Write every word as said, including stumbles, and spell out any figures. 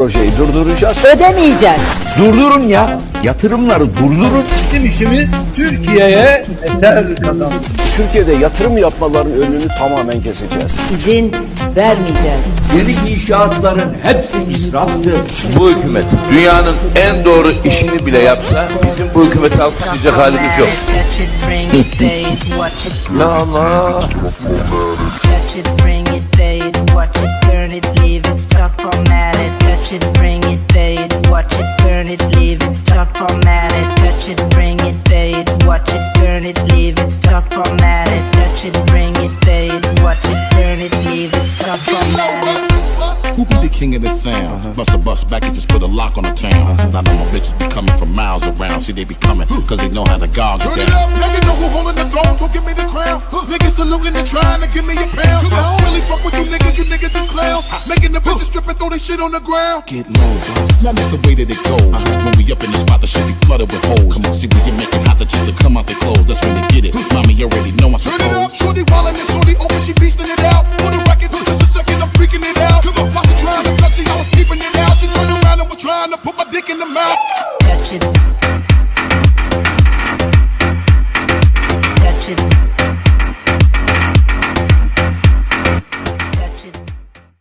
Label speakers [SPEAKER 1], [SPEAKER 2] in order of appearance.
[SPEAKER 1] Projeyi durduracağız.
[SPEAKER 2] Ödemeyeceğiz.
[SPEAKER 1] Durdurun ya. Yatırımları durdurun.
[SPEAKER 3] Bizim işimiz Türkiye'ye eser kazanmak.
[SPEAKER 1] Türkiye'de yatırım yapmaların önünü tamamen keseceğiz.
[SPEAKER 2] İzin vermeyeceğiz.
[SPEAKER 1] Yeni inşaatların hepsi israftır.
[SPEAKER 4] Bu hükümet dünyanın en doğru işini bile yapsa bizim bu hükümeti alkışlayacak halimiz yok.
[SPEAKER 1] La Allah.
[SPEAKER 5] Touch it, bring it, pay it, watch it, turn it, leave it, stop formatted. Touch it, bring it, pay it, watch it, turn it, leave it, stop formatted. Touch it, bring it, pay it, watch it, turn it, leave it, stop formatted. Touch it, bring it, pay it, watch it, turn it, leave it, stop formatted.
[SPEAKER 6] Who be the king of the sound? Uh-huh. Bust a bus back and just put a lock on the town. Uh-huh. Now my bitches be coming from miles around. See, they be coming, cause they know how to gog it down. Turn it up, now you know who holding the throne, so give me the crown. Huh. Niggas saluting and trying to give me a pound. I don't really fuck with you niggas, you niggas is clowns. Making the bitches strip and throw their shit on the ground. Get low, boss. Now that's the way that it goes. Uh-huh. When we up in the spot, the shit be flooded with holes. Come on, see, when you make it hot, the chicks will come out their clothes. That's when they get it. Mommy, you already know I suppose. Turn it up, shorty wildin' and shorty open, she beastin' it out. For the record, just a second, I'm freaking it out. Come on,